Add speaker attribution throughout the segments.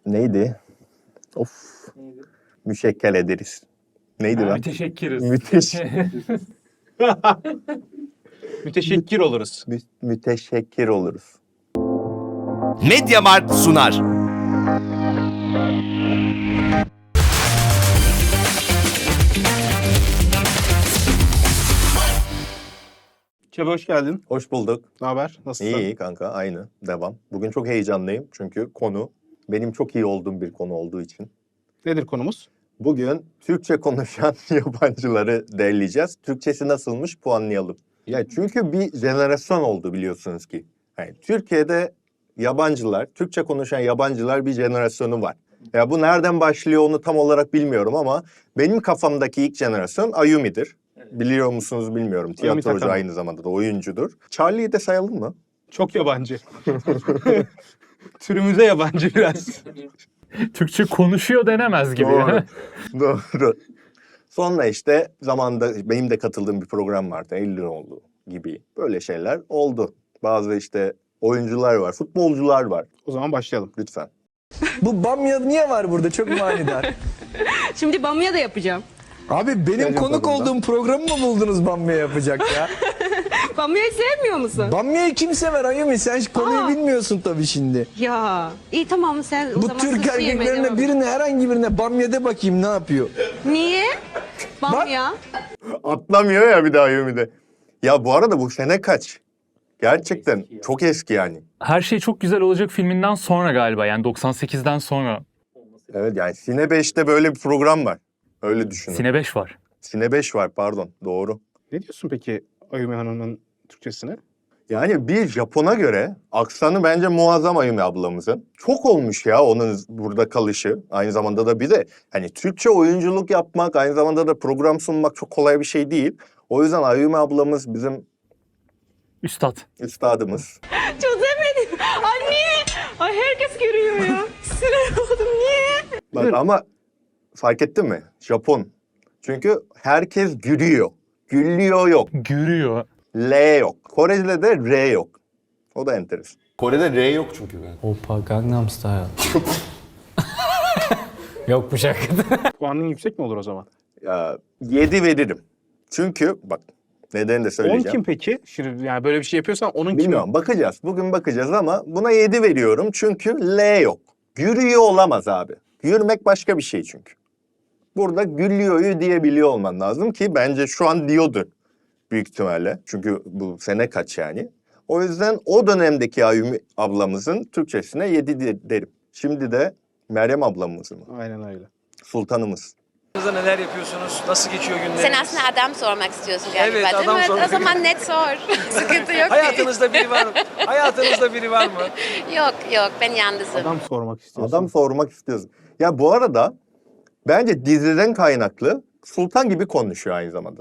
Speaker 1: Neydi? Of.
Speaker 2: Neydi?
Speaker 1: Müşekkel ederiz. Neydi lan?
Speaker 3: Müteşekkiriz.
Speaker 2: Müteşekkir oluruz.
Speaker 1: Müteşekkir oluruz.
Speaker 4: Mediamarkt sunar.
Speaker 2: Çabi hoş geldin.
Speaker 1: Hoş bulduk.
Speaker 2: Ne haber? Nasılsın?
Speaker 1: İyi kanka, aynı. Devam. Bugün çok heyecanlıyım çünkü konu benim çok iyi olduğum bir konu olduğu için.
Speaker 2: Nedir konumuz?
Speaker 1: Bugün Türkçe konuşan yabancıları derleyeceğiz. Türkçesi nasılmış puanlayalım. Ya çünkü bir jenerasyon oldu biliyorsunuz ki. Yani Türkiye'de yabancılar, Türkçe konuşan yabancılar bir jenerasyonu var. Ya bu nereden başlıyor onu tam olarak bilmiyorum ama benim kafamdaki ilk jenerasyon Ayumi'dir. Biliyor musunuz bilmiyorum. Tiyatrocu
Speaker 2: Takama.
Speaker 1: aynı zamanda da oyuncudur. Charlie'yi de sayalım mı?
Speaker 2: Çok yabancı. Türümüze yabancı biraz.
Speaker 3: Türkçe konuşuyor denemez gibi.
Speaker 1: Doğru. Doğru. Sonra işte zamanında benim de katıldığım bir program vardı. Eylüloğlu gibi böyle şeyler oldu. Bazı işte oyuncular var, futbolcular var.
Speaker 2: O zaman başlayalım.
Speaker 1: Lütfen.
Speaker 5: Bu bamya niye var burada? Çok manidar.
Speaker 6: Şimdi bamya da yapacağım.
Speaker 5: Abi benim
Speaker 1: Gelin
Speaker 5: konuk
Speaker 1: tadında.
Speaker 5: olduğum programı mı buldunuz bamya yapacak ya?
Speaker 6: Bamyayı sevmiyor musun?
Speaker 5: Bamyayı kim sever Ayumi? Sen konuyu
Speaker 6: Aa.
Speaker 5: bilmiyorsun tabii şimdi.
Speaker 6: Ya iyi tamam sen o
Speaker 5: Bu
Speaker 6: zaman
Speaker 5: Türk
Speaker 6: sushi yemeye
Speaker 5: erkeklerine
Speaker 6: devam et.
Speaker 5: birine herhangi birine bamya de bakayım ne yapıyor?
Speaker 6: Niye? Bamya.
Speaker 1: Atlamıyor ya bir daha Ayumi'de. Ya bu arada bu sene kaç? Gerçekten
Speaker 2: Eski ya.
Speaker 1: çok eski yani.
Speaker 3: Her şey çok güzel olacak filminden sonra galiba, yani 98'den sonra.
Speaker 1: Evet yani Sine 5'te böyle bir program var. Öyle düşünün.
Speaker 3: Sine 5 var.
Speaker 1: Sine 5 var pardon doğru.
Speaker 2: Ne diyorsun peki Ayumi Hanım'ın Türkçesine?
Speaker 1: Yani bir Japon'a göre aksanı bence muazzam Ayumi ablamızın. Çok olmuş ya onun burada kalışı. Aynı zamanda da bir de hani Türkçe oyunculuk yapmak, aynı zamanda da program sunmak çok kolay bir şey değil. O yüzden Ayumi ablamız bizim
Speaker 3: Üstad.
Speaker 1: üstadımız.
Speaker 6: Çözemedim. Ay niye? Ay herkes görüyor ya. Sinir oldum niye?
Speaker 1: Bak ama fark ettin mi? Japon. Çünkü herkes gülüyor. Güllüyor yok.
Speaker 3: Görüyor.
Speaker 1: L yok. Korece'de de R yok. O da enteresan.
Speaker 7: Kore'de R yok çünkü.
Speaker 8: Oppa Gangnam Style. Yok bu şarkıda.
Speaker 2: Puanın yüksek mi olur o zaman?
Speaker 1: Ya, 7 veririm. Çünkü bak nedeni de
Speaker 2: 10
Speaker 1: söyleyeceğim.
Speaker 2: kim peki? Şimdi yani böyle bir şey yapıyorsan onun kimi?
Speaker 1: Bilmiyorum bakacağız. Bugün bakacağız ama buna 7 veriyorum çünkü L yok. Yürüyor olamaz abi. Yürümek başka bir şey çünkü. Burada gülüyor'yu diyebiliyor olman lazım ki bence şu an diyordu büyük ihtimalle. Çünkü bu sene kaç yani. O yüzden o dönemdeki Ayumi ablamızın Türkçesine 7 derim. Şimdi de Meryem ablamızın,
Speaker 2: Aynen öyle.
Speaker 1: sultanımız.
Speaker 9: Neler yapıyorsunuz? Nasıl geçiyor günleriniz?
Speaker 10: Sen aslında adam sormak istiyorsun galiba
Speaker 9: Evet,
Speaker 10: değil
Speaker 9: adam
Speaker 10: mi?
Speaker 9: sormak
Speaker 10: O zaman net sor. Sıkıntı yok ki.
Speaker 9: Hayatınızda biri var mı? Hayatınızda biri var mı?
Speaker 10: Yok ben yalnızım.
Speaker 2: Adam sormak istiyorsun.
Speaker 1: Adam sormak istiyorsun. Ya bu arada bence diziden kaynaklı sultan gibi konuşuyor aynı zamanda.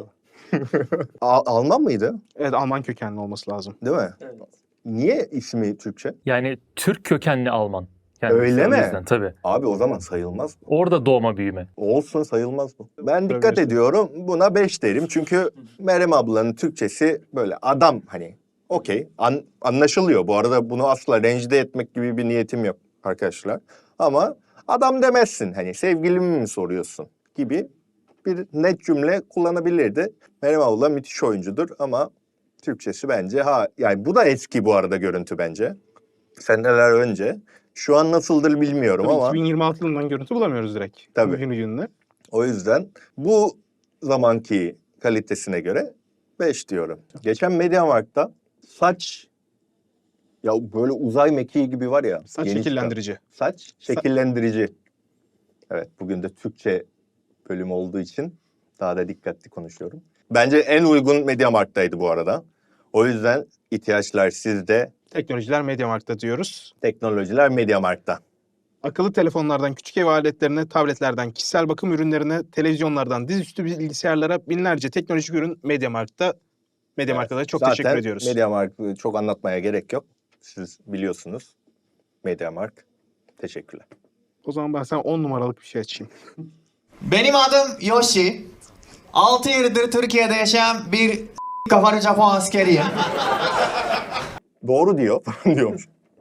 Speaker 1: Alman mıydı?
Speaker 2: Evet Alman kökenli olması lazım.
Speaker 1: Değil mi?
Speaker 2: Evet.
Speaker 1: Niye ismi Türkçe?
Speaker 3: Yani Türk kökenli Alman. Yani
Speaker 1: Öyle mi?
Speaker 3: o yüzden, tabii.
Speaker 1: Abi o zaman sayılmaz.
Speaker 3: Orada doğma büyüme.
Speaker 1: Olsun sayılmaz bu. Ben dikkat
Speaker 2: Tabii.
Speaker 1: ediyorum buna 5 derim. Çünkü Meryem ablanın Türkçesi böyle adam hani okey anlaşılıyor. Bu arada bunu asla rencide etmek gibi bir niyetim yok arkadaşlar. Ama adam demezsin hani sevgilimi mi soruyorsun gibi bir net cümle kullanabilirdi. Meryem abla müthiş oyuncudur ama Türkçesi bence yani bu da eski bu arada görüntü bence. Seneler önce. Şu an nasıldır bilmiyorum
Speaker 2: Tabii
Speaker 1: ama
Speaker 2: 2026 yılından görüntü bulamıyoruz direkt.
Speaker 1: Tabii.
Speaker 2: Bugünü.
Speaker 1: o yüzden bu zamanki kalitesine göre 5 diyorum. Geçen Mediamarkt'ta saç ya böyle uzay mekiği gibi var ya.
Speaker 2: Saç
Speaker 1: yeni
Speaker 2: şekillendirici.
Speaker 1: çıkan. Saç şekillendirici. Evet bugün de Türkçe bölüm olduğu için daha da dikkatli konuşuyorum. Bence en uygun Mediamarkt'taydı bu arada. O yüzden ihtiyaçlar sizde,
Speaker 2: Teknolojiler Mediamarkt'ta diyoruz.
Speaker 1: teknolojiler Mediamarkt'ta.
Speaker 2: Akıllı telefonlardan küçük ev aletlerine, tabletlerden kişisel bakım ürünlerine, televizyonlardan dizüstü bilgisayarlara binlerce teknolojik ürün Mediamarkt'ta. Mediamarkt'a da çok teşekkür ediyoruz.
Speaker 1: Mediamarkt'ı çok anlatmaya gerek yok. Siz biliyorsunuz. Mediamarkt. Teşekkürler.
Speaker 2: O zaman ben sana 10 numaralık bir şey açayım.
Speaker 11: Benim adım Yoshi. 6 yıldır Türkiye'de yaşayan bir kafalı Japon askeriyim.
Speaker 1: Doğru diyor falan diyormuş.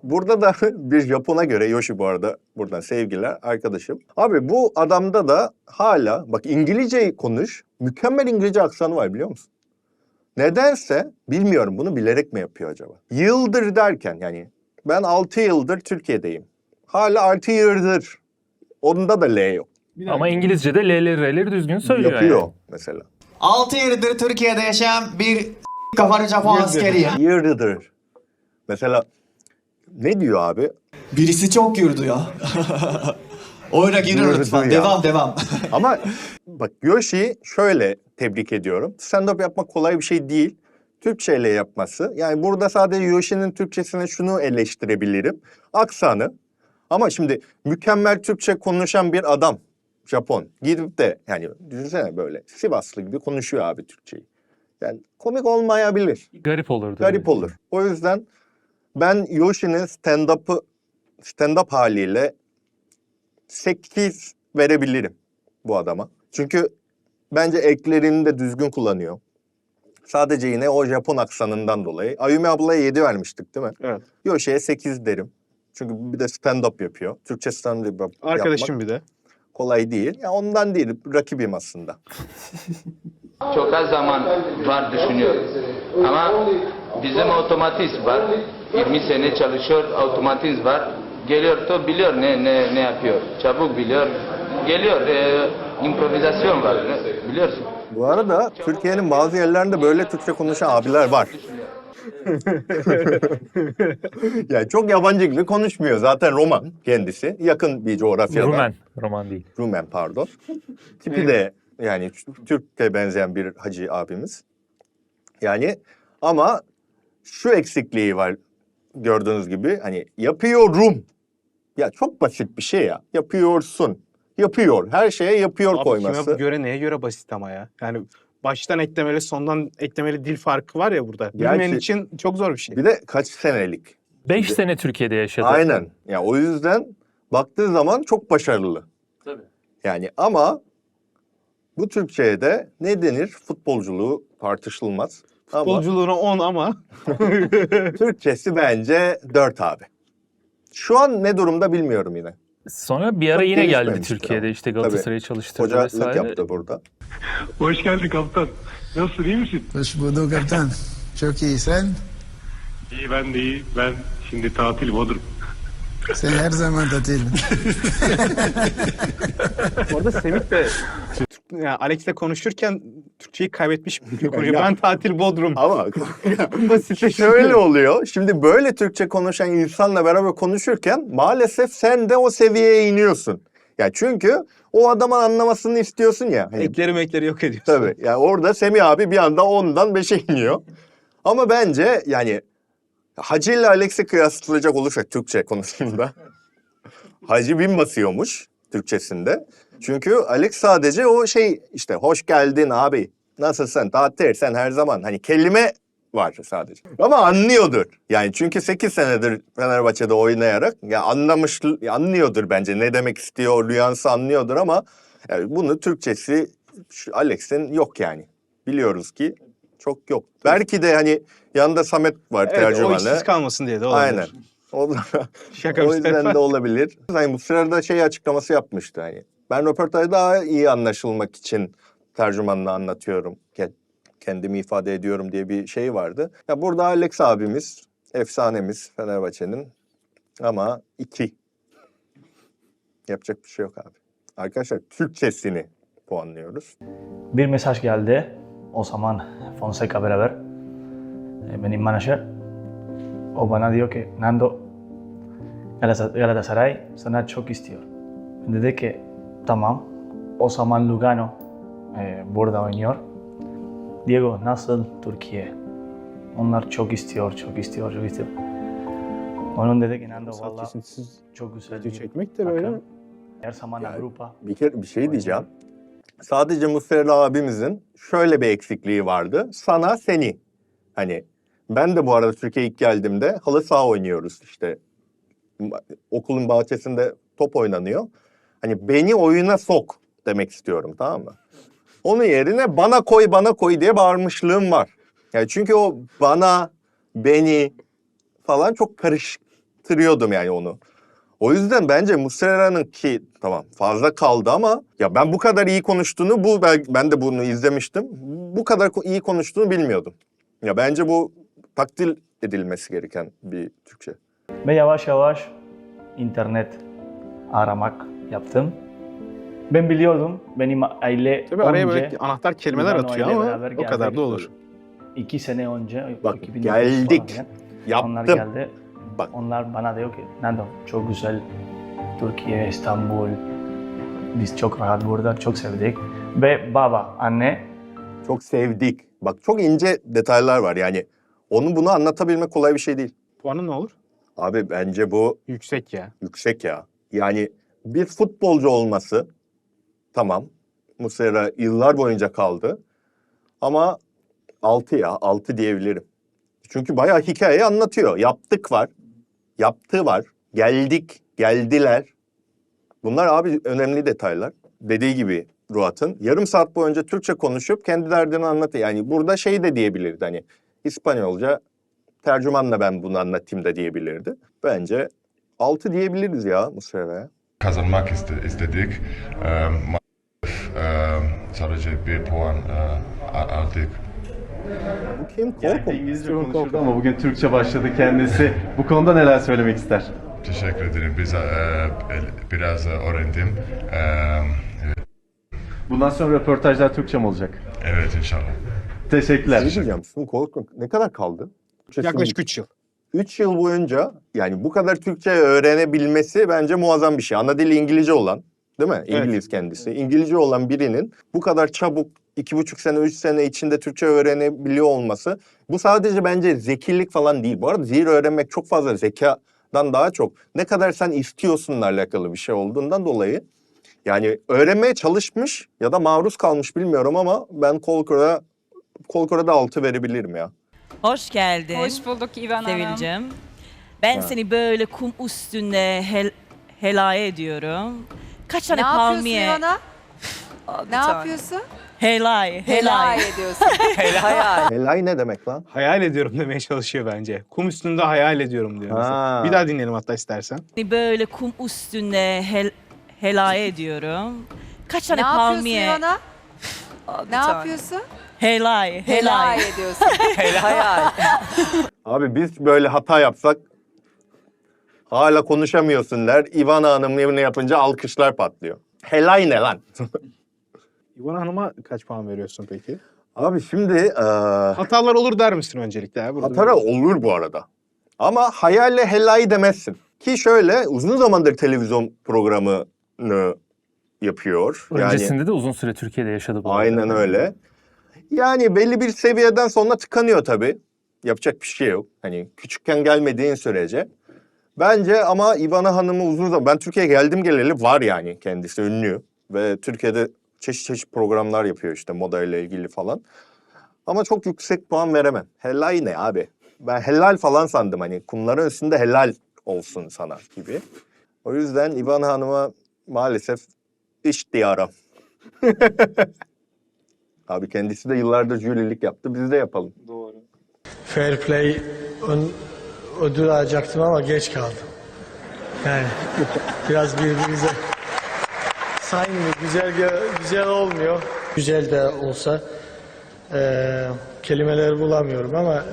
Speaker 1: burada da bir Japon'a göre, Yoshi bu arada buradan sevgiler arkadaşım. Abi bu adamda da hala bak İngilizceyi konuş, mükemmel İngilizce aksanı var biliyor musun? Nedense bilmiyorum, bunu bilerek mi yapıyor acaba? Yıldır derken yani ben 6 yıldır Türkiye'deyim. Hala 6 yıldır. Onda da L yok.
Speaker 3: Ama İngilizce'de L'leri R'leri düzgün söylüyor
Speaker 1: Yapıyor
Speaker 3: yani.
Speaker 1: mesela.
Speaker 11: 6 yıldır Türkiye'de yaşayan bir kafalı Japon askeri.
Speaker 1: Yıldır. Mesela ne diyor abi?
Speaker 11: Birisi çok yürüdü ya. Oyuna girin
Speaker 1: Yürüdü
Speaker 11: lütfen.
Speaker 1: ya.
Speaker 11: Devam.
Speaker 1: Ama bak Yoshi'yi şöyle tebrik ediyorum. Stand-up yapmak kolay bir şey değil. Türkçeyle yapması. Yani burada sadece Yoshi'nin Türkçesine şunu eleştirebilirim. Aksanı. Ama şimdi mükemmel Türkçe konuşan bir adam, Japon, gidip de yani düşünsene böyle Sivaslı gibi konuşuyor abi Türkçeyi. Yani komik olmayabilir.
Speaker 3: Garip olurdu.
Speaker 1: Garip olur. O yüzden ben Yoshi'nin stand-up haliyle 8 verebilirim bu adama. Çünkü bence eklerini de düzgün kullanıyor. Sadece yine o Japon aksanından dolayı. Ayumi ablaya 7 vermiştik değil mi?
Speaker 2: Evet.
Speaker 1: Yoshi'ye 8 derim. Çünkü bir de stand-up yapıyor. Türkçe stand-up
Speaker 2: Arkadaşım
Speaker 1: yapmak
Speaker 2: bir de.
Speaker 1: kolay değil. Ya ondan değil, rakibim aslında.
Speaker 4: Çok az zaman var düşünüyor. Ama bizim otomatizm var. 20 sene çalışıyor, otomatizm var. Geliyor to biliyor ne yapıyor. Çabuk biliyor. Geliyor. İmprovizasyon var. Biliyorsun.
Speaker 1: Bu arada Türkiye'nin bazı yerlerinde böyle Türkçe konuşan abiler var. Yani çok yabancı gibi konuşmuyor. Zaten Roman kendisi. Yakın bir coğrafyada.
Speaker 3: Roman değil.
Speaker 1: Rumen pardon. Tipi de yani Türk'e benzeyen bir hacı abimiz. Yani ama şu eksikliği var gördüğünüz gibi. Hani yapıyorum. Ya çok basit bir şey ya. Yapıyorsun. Yapıyor. Her şeye yapıyor
Speaker 2: Abi
Speaker 1: koyması.
Speaker 2: kime göre neye göre basit ama ya. Yani baştan eklemeli sondan eklemeli dil farkı var ya burada. Bilmeyen
Speaker 1: Gerçi-
Speaker 2: için çok zor bir şey.
Speaker 1: Bir de kaç senelik.
Speaker 3: 5 sene Türkiye'de yaşadı.
Speaker 1: Aynen. Ya o yüzden baktığı zaman çok başarılı.
Speaker 3: Tabii.
Speaker 1: Yani ama bu Türkçe'ye de ne denir? Futbolculuğu tartışılmaz. Ama
Speaker 2: Futbolculuğuna 10 ama
Speaker 1: Türkçesi bence 4 abi. Şu an ne durumda bilmiyorum yine.
Speaker 3: Sonra bir ara
Speaker 1: Çok
Speaker 3: yine geldi
Speaker 1: gelişmemiştir
Speaker 3: Türkiye'de
Speaker 1: ama.
Speaker 3: işte Galatasaray'ı çalıştırdı
Speaker 1: Hocalık
Speaker 3: vesaire.
Speaker 1: yaptı burada.
Speaker 7: Hoş geldin kaptan. Nasılsın, iyi misin?
Speaker 5: Hoş bulduk kaptan. Çok iyi sen.
Speaker 7: İyi, ben de iyi. Ben şimdi tatil Bodrum.
Speaker 5: Sen her zaman tatil.
Speaker 2: orada Semih de yani Alex'le konuşurken Türkçeyi kaybetmiş gibi konuşuyor. Ben tatil Bodrum.
Speaker 1: Ama
Speaker 2: Basitleşiyor.
Speaker 1: şöyle oluyor. Şimdi böyle Türkçe konuşan insanla beraber konuşurken maalesef sen de o seviyeye iniyorsun. Ya çünkü o adamın anlamasını istiyorsun ya. Hani
Speaker 2: Ekleri yok ediyorsun.
Speaker 1: tabii. Yani orada Semih abi bir anda 10'dan 5'e iniyor. Ama bence yani Hacı ile Alex'i kıyaslayacak olursak Türkçe konusunda Hacı bin basıyormuş Türkçesinde. Çünkü Alex sadece o şey işte hoş geldin abi. Nasılsın? Tatil sen her zaman. Hani kelime var sadece. Ama anlıyordur. Yani çünkü 8 senedir Fenerbahçe'de oynayarak ya anlıyordur bence. Ne demek istiyor, nüansı anlıyordur ama yani bunu Türkçesi Alex'in yok yani. Biliyoruz ki çok yok. Belki de hani yanında Samet var
Speaker 2: Evet, o
Speaker 1: tercümanı.
Speaker 2: işsiz kalmasın diye de olabilir.
Speaker 1: Aynen. O,
Speaker 2: Şaka
Speaker 1: o
Speaker 2: bir
Speaker 1: yüzden
Speaker 2: tarafa.
Speaker 1: de olabilir. Hani bu sırada şey açıklaması yapmıştı hani. Ben röportajda daha iyi anlaşılmak için tercümanla anlatıyorum. Kendimi ifade ediyorum diye bir şey vardı. Ya burada Alex abimiz, efsanemiz Fenerbahçe'nin ama 2. Yapacak bir şey yok abi. Arkadaşlar Türkçesini puanlıyoruz.
Speaker 8: Bir mesaj geldi. O zaman Fonseca beraber. Benim menajer. O bana diyor ki Nando Galatasaray sana çok istiyor. Dedi ki tamam. O zaman Lugano burada oynuyor. Diego nasıl Türkiye? Onlar çok istiyor. Onun dedi ki Nando valla
Speaker 2: Kesintisiz
Speaker 8: çok güzel
Speaker 2: video
Speaker 8: bir
Speaker 2: çekmek de böyle.
Speaker 8: takım. Her zaman
Speaker 1: Yani
Speaker 8: Avrupa.
Speaker 1: bir şey diyeceğim. Sadece Muslera abimizin şöyle bir eksikliği vardı. Sana seni. Hani ben de bu arada Türkiye'ye ilk geldiğimde halı saha oynuyoruz işte. Okulun bahçesinde top oynanıyor. Hani beni oyuna sok demek istiyorum, tamam mı? Onun yerine bana koy diye bağırmışlığım var. Yani çünkü o bana, beni falan çok karışık hissettiriyordum yani onu. O yüzden bence Muslera'nın ki tamam fazla kaldı ama ya ben bu kadar iyi konuştuğunu ben de bunu izlemiştim. Bu kadar iyi konuştuğunu bilmiyordum. Ya bence bu takdir edilmesi gereken bir Türkçe.
Speaker 8: Ve yavaş yavaş internet aramak yaptım. Ben biliyordum benim aile
Speaker 2: Tabii araya
Speaker 8: önce
Speaker 2: böyle anahtar kelimeler
Speaker 8: Lugano
Speaker 2: atıyor
Speaker 8: ile
Speaker 2: ama
Speaker 8: beraber
Speaker 2: o kadar
Speaker 8: geldik.
Speaker 2: da olur.
Speaker 8: 2 sene önce,
Speaker 1: Bak
Speaker 8: 2009
Speaker 1: geldik,
Speaker 8: falan,
Speaker 1: yaptım.
Speaker 8: onlar geldi.
Speaker 1: Bak.
Speaker 8: Onlar bana diyor ki, Nando çok güzel Türkiye, İstanbul. Biz çok rahat burada, çok sevdik. Ve baba, anne
Speaker 1: Çok sevdik. Bak çok ince detaylar var yani. Onu bunu anlatabilmek kolay bir şey değil.
Speaker 2: Puanı ne olur?
Speaker 1: Abi bence bu
Speaker 2: Yüksek ya.
Speaker 1: yüksek ya. Yani bir futbolcu olması tamam. Muslera yıllar boyunca kaldı. Ama 6 ya 6 diyebilirim. Çünkü bayağı hikayeyi anlatıyor. Yaptık var. Yaptığı var. Geldik. Geldiler. Bunlar abi önemli detaylar. Dediği gibi Ruat'ın yarım saat boyunca Türkçe konuşup kendi derdini anlatıyor. Yani burada şey de diyebilirdi hani İspanyolca tercümanla ben bunu anlatayım da diyebilirdi. Bence 6 diyebiliriz ya Muslera'ya.
Speaker 7: Kazanmak istedik. Sadece bir puan aldık.
Speaker 1: Bu kim? Korkun.
Speaker 12: İngilizce konuşurdu ama bugün Türkçe başladı kendisi. Bu konuda neler söylemek ister?
Speaker 7: Teşekkür ederim. Biraz öğrendim.
Speaker 12: Bundan sonra röportajlar Türkçe mi olacak?
Speaker 7: Evet inşallah.
Speaker 12: Teşekkürler.
Speaker 1: Ne diyeceğim? Korkun. Ne kadar kaldı?
Speaker 2: Yaklaşık 3 yıl.
Speaker 1: 3 yıl boyunca yani bu kadar Türkçe öğrenebilmesi bence muazzam bir şey. Ana dili İngilizce olan, değil mi? İngiliz kendisi. İngilizce olan birinin bu kadar çabuk 2,5 sene, 3 sene içinde Türkçe öğrenebiliyor olması bu sadece bence zekilik falan değil. Bu arada zihir öğrenmek çok fazla zekadan daha çok ne kadar sen istiyorsunla alakalı bir şey olduğundan dolayı yani öğrenmeye çalışmış ya da maruz kalmış bilmiyorum ama ben Kolkor'a 6 verebilirim ya.
Speaker 6: Hoş geldin.
Speaker 13: Hoş bulduk İvan Hanım.
Speaker 6: Sevilcim. Ben seni böyle kum üstünde helaya ediyorum. Kaç tane palmiye...
Speaker 13: Ne yapıyorsun İvan'a? Ne yapıyorsun?
Speaker 6: Helay.
Speaker 13: ediyorsun. Helay.
Speaker 1: Helay ne demek lan?
Speaker 2: Hayal ediyorum demeye çalışıyor bence. Kum üstünde hayal ediyorum diyor mesela.
Speaker 1: Ha.
Speaker 2: Bir daha dinleyelim hatta istersen.
Speaker 6: Seni böyle kum üstünde helaya ediyorum. Kaç tane
Speaker 13: Ne yapıyorsun
Speaker 6: palmiye...
Speaker 13: İvan'a? Ne yapıyorsun?
Speaker 6: Helay
Speaker 13: ediyorsun. Helay.
Speaker 1: Abi biz böyle hata yapsak hala konuşamıyorsun der. İvan Hanım ne yapınca alkışlar patlıyor. Helay ne lan?
Speaker 2: İvan Hanım'a kaç puan veriyorsun peki?
Speaker 1: Abi şimdi
Speaker 2: Hatalar olur der misin öncelikle? Ya?
Speaker 1: hata olur bu arada. Ama hayalle helay demezsin. Ki şöyle uzun zamandır televizyon programını yapıyor.
Speaker 3: Öncesinde de uzun süre Türkiye'de yaşadı bu arada.
Speaker 1: Aynen öyle. Yani belli bir seviyeden sonra tıkanıyor tabii. Yapacak bir şey yok. Hani küçükken gelmediğin sürece. Bence ama İvana Hanım'ı uzun zaman... Ben Türkiye'ye geldim geleli var yani kendisi ünlü. Ve Türkiye'de çeşit programlar yapıyor işte moda ile ilgili falan. Ama çok yüksek puan veremem. Helal ne abi? Ben helal falan sandım hani kumların üstünde helal olsun sana gibi. O yüzden İvana Hanım'a maalesef iş diyarım. Abi kendisi de yıllardır jürilik yaptı. Biz de yapalım.
Speaker 2: Doğru.
Speaker 14: Fair Play ödül alacaktım ama geç kaldım. Yani biraz birbirimize saymıyor. Güzel olmuyor. Güzel de olsa kelimeleri bulamıyorum ama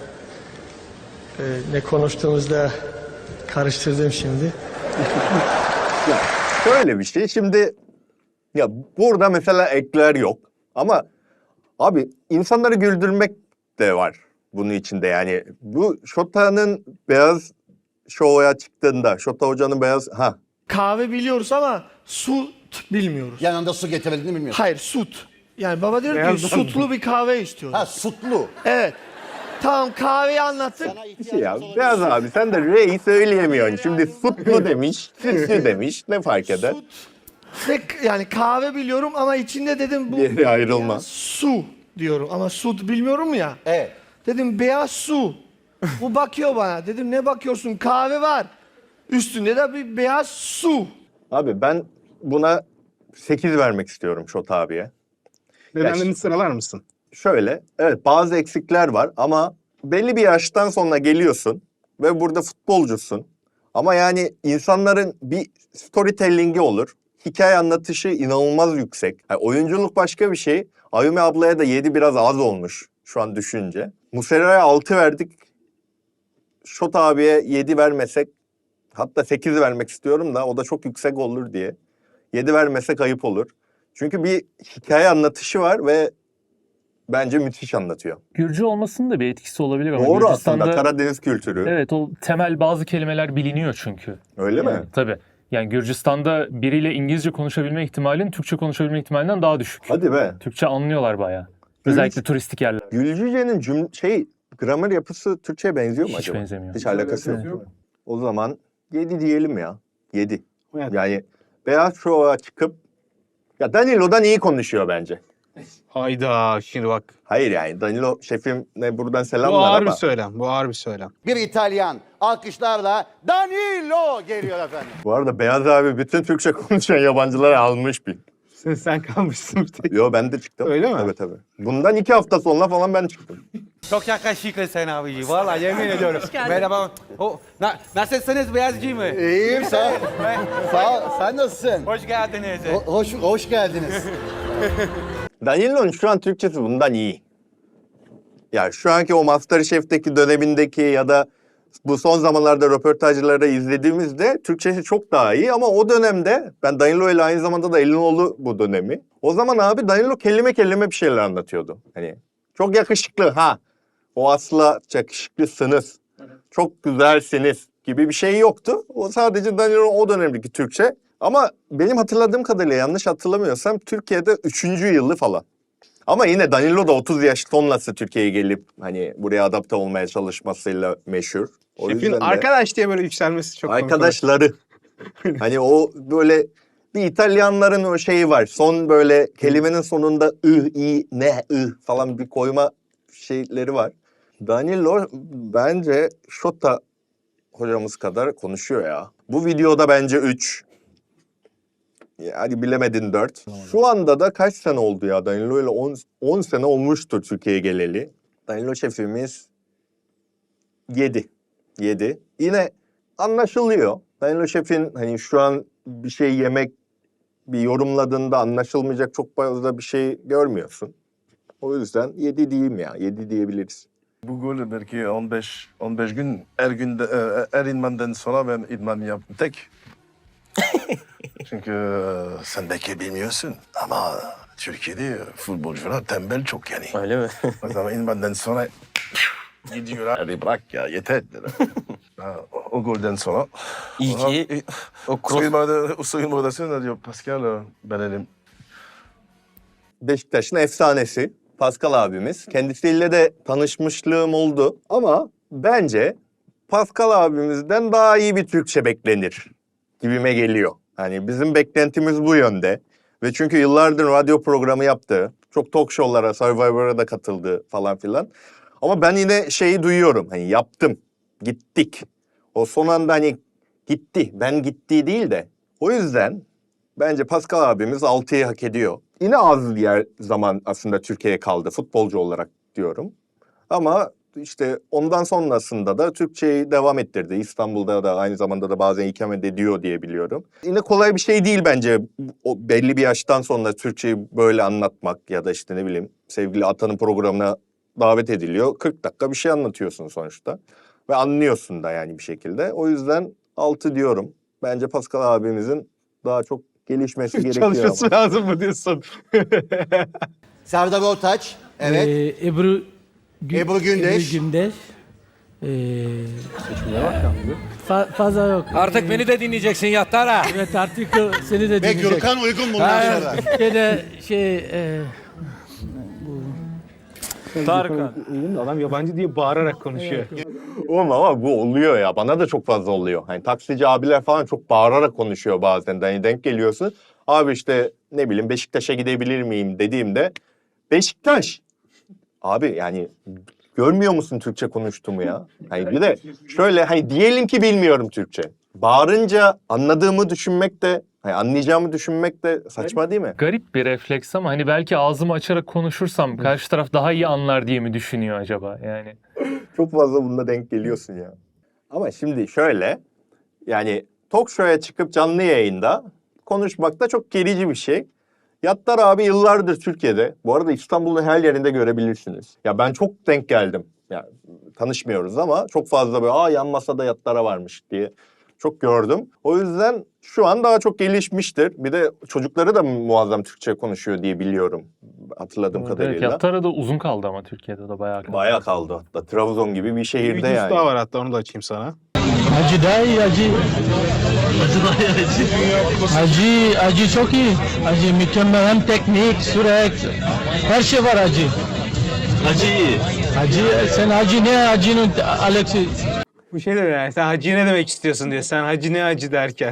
Speaker 14: ne konuştuğumuzda karıştırdım şimdi.
Speaker 1: Ya şöyle bir şey. Şimdi ya burada mesela ekler yok. Ama abi insanları güldürmek de var bunun içinde yani. Bu Şota'nın beyaz şovaya çıktığında Şota Hoca'nın beyaz
Speaker 14: Kahve biliyoruz ama su bilmiyoruz.
Speaker 11: Yanında su getirmediğini bilmiyorsun.
Speaker 14: Hayır, süt. Yani baba diyor
Speaker 2: Beyaz
Speaker 14: ki
Speaker 2: mı?
Speaker 14: sütlü bir kahve istiyoruz.
Speaker 11: Ha sütlü.
Speaker 14: Evet. Tamam kahveyi anlattık.
Speaker 1: ya beyaz abi sen de R'yi söyleyemiyorsun. Şimdi sütlü demiş, sütlü demiş. Ne fark eder?
Speaker 14: Ve yani kahve biliyorum ama içinde dedim bu
Speaker 1: Diğeri ayrılmaz.
Speaker 14: su diyorum ama süt bilmiyorum ya.
Speaker 11: Evet.
Speaker 14: Dedim beyaz su. Bu bakıyor bana. Dedim ne bakıyorsun? Kahve var. Üstünde de bir beyaz su.
Speaker 1: Abi ben buna 8 vermek istiyorum Şota abiye.
Speaker 2: Nedenlerini sıralar mısın?
Speaker 1: Şöyle, evet bazı eksikler var ama belli bir yaştan sonra geliyorsun ve burada futbolcusun. Ama yani insanların bir storytelling'i olur. Hikaye anlatışı inanılmaz yüksek. Yani oyunculuk başka bir şey. Ayumi ablaya da 7 biraz az olmuş şu an düşünce. Muslera'ya 6 verdik. Şot abiye 7 vermesek, hatta 8 vermek istiyorum da o da çok yüksek olur diye. 7 vermesek ayıp olur. Çünkü bir hikaye anlatışı var ve bence müthiş anlatıyor.
Speaker 3: Gürcü olmasının da bir etkisi olabilir ama
Speaker 1: Doğru
Speaker 3: Gürcistan'da,
Speaker 1: aslında, Karadeniz kültürü.
Speaker 3: Evet, o temel bazı kelimeler biliniyor çünkü.
Speaker 1: Öyle mi?
Speaker 3: Tabii. Yani Gürcistan'da biriyle İngilizce konuşabilme ihtimalin Türkçe konuşabilme ihtimalinden daha düşük.
Speaker 1: Hadi be.
Speaker 3: Türkçe anlıyorlar bayağı. Özellikle turistik yerler.
Speaker 1: Gülcüce'nin gramer yapısı Türkçe'ye benziyor mu
Speaker 3: Hiç
Speaker 1: acaba?
Speaker 3: benzemiyor.
Speaker 1: Hiç alakası yok.
Speaker 2: Evet.
Speaker 1: O zaman 7 diyelim ya. 7.
Speaker 2: Evet.
Speaker 1: Yani Beyaz Şov'a çıkıp ya Danilo'dan iyi konuşuyor bence.
Speaker 2: Hayda şimdi bak.
Speaker 1: Hayır yani Danilo şefimle buradan
Speaker 2: Bu
Speaker 1: selamlar
Speaker 2: ağır
Speaker 1: ama
Speaker 2: bir söylem. Bu ağır bir söylem.
Speaker 11: Bir İtalyan alkışlarla Danilo geliyor efendim.
Speaker 1: bu arada Beyaz abi bütün Türkçe konuşan yabancıları almış bir.
Speaker 2: Sen kalmışsın bir tek.
Speaker 1: Yo ben de çıktım.
Speaker 2: Öyle mi?
Speaker 1: Tabii tabii. Bundan 2 hafta sonra falan ben çıktım.
Speaker 9: Çok yakışıklı sen abici. Vallahi yemin ediyorum.
Speaker 6: geldin.
Speaker 9: Merhaba. Nasılsınız Beyazcı mı?
Speaker 11: İyiyim sağ ol. Sağ ol. Sen nasılsın?
Speaker 9: Hoş geldiniz.
Speaker 11: Hoş geldiniz.
Speaker 1: Danilo'nun şu an Türkçesi bundan iyi. Ya şu anki o MasterChef'teki dönemindeki ya da bu son zamanlarda röportajları izlediğimizde Türkçesi çok daha iyi ama o dönemde ben Danilo ile aynı zamanda da Elinoğlu bu dönemi. O zaman abi Danilo kelime kelime bir şeyler anlatıyordu. Hani çok yakışıklı ha. O asla yakışıklısınız. Çok güzelsiniz gibi bir şey yoktu. O sadece Danilo'nun o dönemdeki Türkçe. Ama benim hatırladığım kadarıyla yanlış hatırlamıyorsam Türkiye'de 3. yılı falan. Ama yine Danilo da 30 yaş sonrası Türkiye'ye gelip hani buraya adapte olmaya çalışmasıyla meşhur. O
Speaker 2: Şefin
Speaker 1: yüzden de
Speaker 2: arkadaş diye böyle yükselmesi çok komik.
Speaker 1: arkadaşları. Hani o böyle bir İtalyanların o şeyi var. Son böyle kelimenin sonunda i, ne, falan bir koyma şeyleri var. Danilo bence Şota hocamız kadar konuşuyor ya. Bu videoda bence 3. Hadi bilemedin 4. Şu anda da kaç sene oldu ya Danilo ile 10 sene olmuştur Türkiye'ye geleli. Danilo şefimiz 7. Yine anlaşılıyor. Danilo şefin hani şu an bir şey yemek bir yorumladığında anlaşılmayacak çok fazla bir şey görmüyorsun. O yüzden 7 diyeyim ya. 7 diyebiliriz.
Speaker 7: Bu golü belki 15 gün her idmandan sonra ben idman yaptım tek. Çünkü sen belki bilmiyorsun ama Türkiye'de futbolcular tembel çok yani.
Speaker 15: Öyle mi?
Speaker 7: O zaman idmandan sonra gidiyorlar. Hadi bırak ya yeter. O golden sonra.
Speaker 15: İyi ki o
Speaker 7: soyunma odasında diyor Pascal benim.
Speaker 1: Beşiktaş'ın efsanesi Pascal abimiz. Kendisiyle de tanışmışlığım oldu. Ama bence Pascal abimizden daha iyi bir Türkçe beklenir gibime geliyor. Hani bizim beklentimiz bu yönde. Ve çünkü yıllardır radyo programı yaptı. Çok talk show'lara, Survivor'a da katıldı falan filan. Ama ben yine şeyi duyuyorum. Hani yaptım, gittik. O son anda hani gitti. Ben gitti değil de. O yüzden bence Pascal abimiz 6'yı hak ediyor. Yine az yer zaman aslında Türkiye'ye kaldı futbolcu olarak diyorum. Ama işte ondan sonrasında da Türkçeyi devam ettirdi. İstanbul'da da aynı zamanda da bazen ikamet ediyor diye biliyorum. Yine kolay bir şey değil bence o belli bir yaştan sonra Türkçeyi böyle anlatmak ya da işte ne bileyim sevgili Atan'ın programına davet ediliyor. 40 dakika bir şey anlatıyorsun sonuçta ve anlıyorsun da yani bir şekilde. O yüzden 6 diyorum. Bence Pascal abimizin daha çok gelişmesi gerekiyor
Speaker 2: Çalışması
Speaker 1: ama.
Speaker 2: lazım mı diyorsun?
Speaker 11: Serdar Ortaç. Evet.
Speaker 16: Ebru
Speaker 11: Gündeş.
Speaker 16: Fazla yok.
Speaker 9: Artık beni de dinleyeceksin Yattara.
Speaker 16: Evet artık seni de
Speaker 11: Ve
Speaker 16: dinleyecek.
Speaker 11: Gürkan uygun bundan sonra.
Speaker 16: Türkiye'de
Speaker 2: Tarkan. Adam yabancı diye bağırarak konuşuyor.
Speaker 1: Oğlum ama bu oluyor ya. Bana da çok fazla oluyor. Hani taksici abiler falan çok bağırarak konuşuyor bazen. Hani denk geliyorsun. Abi işte ne bileyim Beşiktaş'a gidebilir miyim dediğimde Beşiktaş. Abi yani görmüyor musun Türkçe konuştuğumu ya? Hani bir de şöyle hani diyelim ki bilmiyorum Türkçe. Bağırınca anladığımı düşünmek de hani anlayacağımı düşünmek de saçma değil mi?
Speaker 3: Garip bir refleks ama hani belki ağzımı açarak konuşursam karşı taraf daha iyi anlar diye mi düşünüyor acaba yani?
Speaker 1: Çok fazla bunda denk geliyorsun ya. Ama şimdi şöyle Yani talk show'ya çıkıp canlı yayında konuşmak da çok gerici bir şey. Yattar abi yıllardır Türkiye'de. Bu arada İstanbul'un her yerinde görebilirsiniz. Ya ben çok denk geldim. Yani tanışmıyoruz ama çok fazla böyle yan masada Yattar'a varmış diye çok gördüm. O yüzden şu an daha çok gelişmiştir. Bir de çocukları da muazzam Türkçe konuşuyor diye biliyorum. Hatırladığım kadarıyla.
Speaker 3: Evet, Yattar'a da uzun kaldı ama Türkiye'de de bayağı kaldı.
Speaker 1: Bayağı kaldı hatta. Trabzon gibi bir şehirde
Speaker 2: Bir videosu
Speaker 1: yani.
Speaker 2: daha var hatta onu da açayım sana.
Speaker 8: Hacı daha iyi hacı. Hacı çok iyi. Hacı mükemmel hem teknik, süreç. Her şey var hacı. Hacı iyi. Hacı sen hacı ne hacının Alex'i?
Speaker 2: Bu şey de yani sen hacı ne demek istiyorsun diyor. Sen hacı ne hacı derken.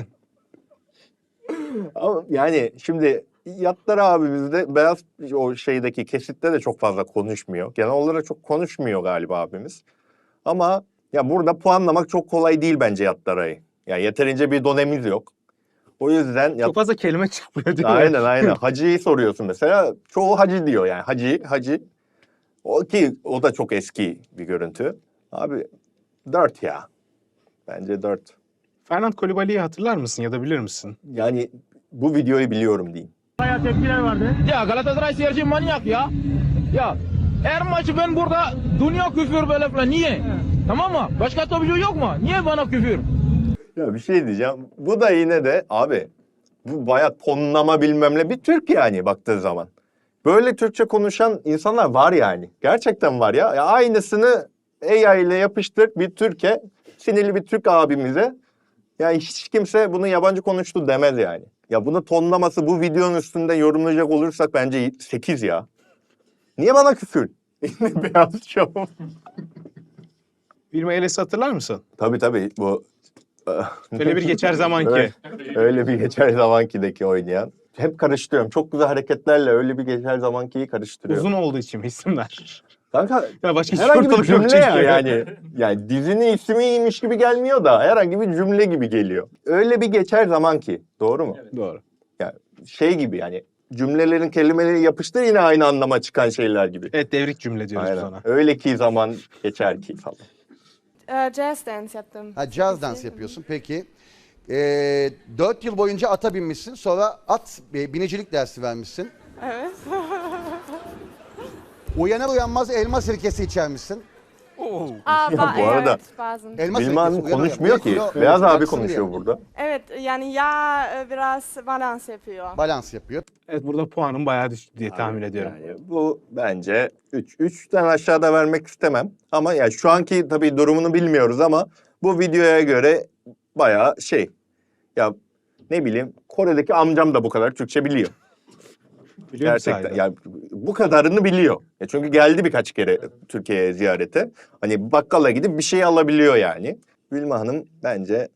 Speaker 1: Ama yani şimdi Yattar abimiz de beyaz o şeydeki kesitte de çok fazla konuşmuyor. Genel olarak çok konuşmuyor galiba abimiz. Ama ya burada puanlamak çok kolay değil bence Yattar'ı. Yani yeterince bir donemiz yok. O yüzden...
Speaker 2: Çok fazla kelime çıkmıyor diyor.
Speaker 1: Aynen. Hacı'yı soruyorsun mesela. Çoğu hacı diyor yani. Hacı. O da çok eski bir görüntü. Abi 4 ya. Bence 4.
Speaker 2: Fernand Kolibali'yi hatırlar mısın ya da bilir misin?
Speaker 1: Yani bu videoyu biliyorum diyeyim.
Speaker 8: Bayağı tepkiler vardı. Ya Galatasaray seyirci manyak ya. Ya her maçı ben burada dünya küfür böyle falan. Niye? Tamam mı? Başka tabii yok mu? Niye bana küfür?
Speaker 1: Ya bir şey diyeceğim. Bu da yine de abi bu bayağı tonlama bilmem ne bir Türk yani baktığı zaman. Böyle Türkçe konuşan insanlar var yani. Gerçekten var ya. Aynısını AI ile yapıştır bir Türkiye, sinirli bir Türk abimize. Yani hiç kimse bunu yabancı konuştu demez yani. Ya bunu tonlaması bu videonun üstünde yorumlayacak olursak bence 8 ya. Niye bana küfür? Beyaz şov.
Speaker 2: Vilma Eles'i hatırlar mısın?
Speaker 1: Tabii bu.
Speaker 2: Öyle bir geçer zamanki.
Speaker 1: Öyle bir geçer zamankideki oynayan. Hep karıştırıyorum. Çok güzel hareketlerle öyle bir geçer zamankiyi karıştırıyorum.
Speaker 2: Uzun olduğu için isimler.
Speaker 1: Kanka
Speaker 2: Ya başka
Speaker 1: herhangi bir cümle ya
Speaker 2: yani.
Speaker 1: Yani dizinin ismiymiş gibi gelmiyor da herhangi bir cümle gibi geliyor. Öyle bir geçer zamanki. Doğru mu?
Speaker 2: Evet, doğru.
Speaker 1: Yani şey gibi yani cümlelerin kelimeleri yapıştır yine aynı anlama çıkan şeyler gibi.
Speaker 2: Evet devrik cümle diyoruz
Speaker 1: Aynen.
Speaker 2: ona.
Speaker 1: Öyle ki zaman geçer ki falan.
Speaker 16: Jazz dance yaptım.
Speaker 17: Ha, jazz dans yapıyorsun peki. 4 yıl boyunca ata binmişsin, sonra binicilik dersi vermişsin.
Speaker 16: Evet.
Speaker 17: Uyanır uyanmaz elma sirkesi içermişsin.
Speaker 16: Aa,
Speaker 1: Bu arada
Speaker 16: evet, bazen.
Speaker 17: Elma
Speaker 1: Bilmem
Speaker 17: sirkesi uyanır
Speaker 1: konuşmuyor
Speaker 17: uyanmaz.
Speaker 1: ki. Beyaz abi
Speaker 17: Bıraksın
Speaker 1: konuşuyor
Speaker 17: diye.
Speaker 1: burada.
Speaker 16: Evet yani ya biraz balans yapıyor.
Speaker 17: Balans yapıyor.
Speaker 2: Evet burada puanım bayağı düştü diye tahmin ediyorum.
Speaker 1: Yani bu bence 3. 3'ten aşağıda vermek istemem. Ama yani şu anki tabii durumunu bilmiyoruz ama bu videoya göre bayağı şey. Ya ne bileyim Kore'deki amcam da bu kadar Türkçe biliyor.
Speaker 2: Biliyor musun
Speaker 1: Gerçekten
Speaker 2: sahiden?
Speaker 1: yani bu kadarını biliyor. Ya çünkü geldi birkaç kere Türkiye'ye ziyarete. Hani bakkala gidip bir şey alabiliyor yani. Vilma Hanım bence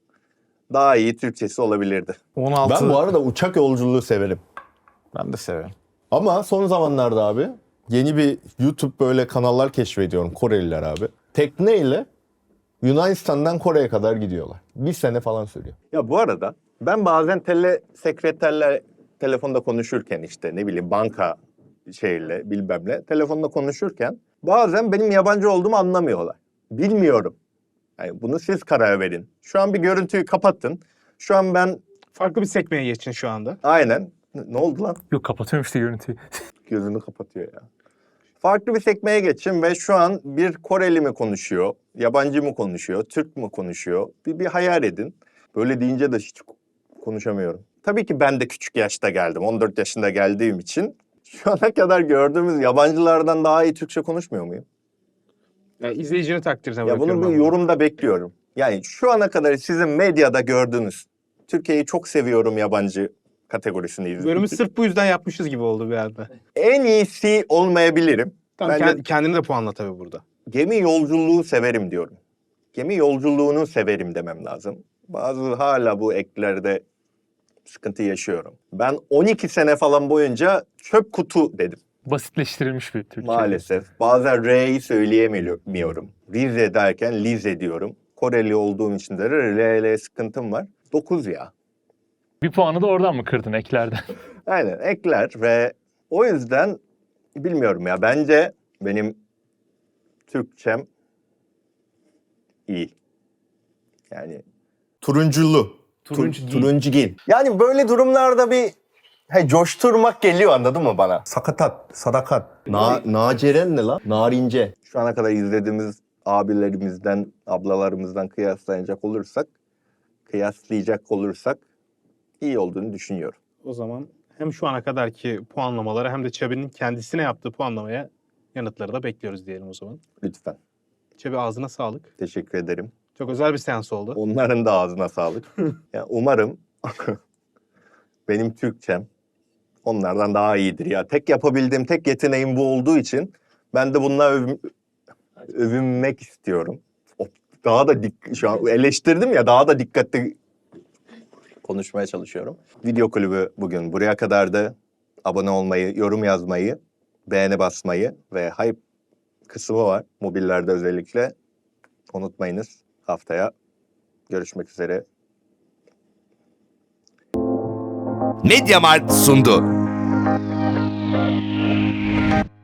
Speaker 1: daha iyi Türkçesi olabilirdi.
Speaker 18: 16.
Speaker 1: Ben bu arada uçak yolculuğu severim.
Speaker 18: Ben de severim.
Speaker 1: Ama son zamanlarda abi yeni bir YouTube böyle kanallar keşfediyorum Koreliler abi. Tekneyle Yunanistan'dan Kore'ye kadar gidiyorlar. 1 sene falan sürüyor. Ya bu arada ben bazen sekreterler telefonda konuşurken işte ne bileyim banka şeyle bilmem ne telefonda konuşurken bazen benim yabancı olduğumu anlamıyorlar. Bilmiyorum. Yani bunu siz karar verin. Şu an bir görüntüyü kapatın. Şu an ben...
Speaker 2: Farklı bir sekmeye geçin şu anda.
Speaker 1: Aynen. Ne oldu lan?
Speaker 3: Yok kapatıyorum işte görüntüyü.
Speaker 1: Gözünü kapatıyor ya. Farklı bir sekmeye geçin ve şu an bir Koreli mi konuşuyor, yabancı mı konuşuyor, Türk mü konuşuyor? Bir hayal edin. Böyle deyince de hiç konuşamıyorum. Tabii ki ben de küçük yaşta geldim. 14 yaşında geldiğim için şu ana kadar gördüğümüz yabancılardan daha iyi Türkçe konuşmuyor muyum?
Speaker 2: Yani izleyicinin takdirine
Speaker 1: Ya
Speaker 2: bırakıyorum.
Speaker 1: bunu bir yorumda bekliyorum. Yani şu ana kadar sizin medyada gördüğünüz Türkiye'yi çok seviyorum yabancı kategorisini izledim.
Speaker 2: Bölümü sırf bu yüzden yapmışız gibi oldu bir anda.
Speaker 1: En iyisi olmayabilirim.
Speaker 2: Tamam,
Speaker 1: Bence
Speaker 2: kendini de puanla tabii burada.
Speaker 1: gemi yolculuğu severim diyorum. Gemi yolculuğunu severim demem lazım. Bazı hala bu eklerde sıkıntı yaşıyorum. Ben 12 sene falan boyunca çöp kutu dedim.
Speaker 3: Basitleştirilmiş bir Türkçe.
Speaker 1: Maalesef. Bazen R'yi söyleyemiyorum. Rize derken Lize diyorum. Koreli olduğum için de R'le sıkıntım var. 9 ya.
Speaker 3: Bir puanı da oradan mı kırdın eklerden?
Speaker 1: Aynen ekler ve o yüzden bilmiyorum ya. Bence benim Türkçem iyi. Yani Turunculu. Turuncugil. Yani böyle durumlarda bir coşturmak geliyor, anladın mı bana? Sakatat, sadakat. Naceren ne lan? Narince. Şu ana kadar izlediğimiz abilerimizden, ablalarımızdan kıyaslayacak olursak iyi olduğunu düşünüyorum.
Speaker 2: O zaman hem şu ana kadarki puanlamaları hem de Çabi'nin kendisine yaptığı puanlamaya yanıtları da bekliyoruz diyelim o zaman.
Speaker 1: Lütfen.
Speaker 2: Çabi ağzına sağlık.
Speaker 1: Teşekkür ederim.
Speaker 2: Çok özel bir seans oldu.
Speaker 1: Onların da ağzına sağlık. Yani umarım benim Türkçem onlardan daha iyidir ya. Tek yapabildiğim tek yeteneğim bu olduğu için ben de bununla övünmek istiyorum. Daha da şu an eleştirdim ya, daha da dikkatli konuşmaya çalışıyorum. Video kulübü bugün buraya kadardı. Abone olmayı, yorum yazmayı, beğeni basmayı ve hype kısmı var mobillerde özellikle. Unutmayınız. Haftaya görüşmek üzere.
Speaker 18: Mediamarkt sundu.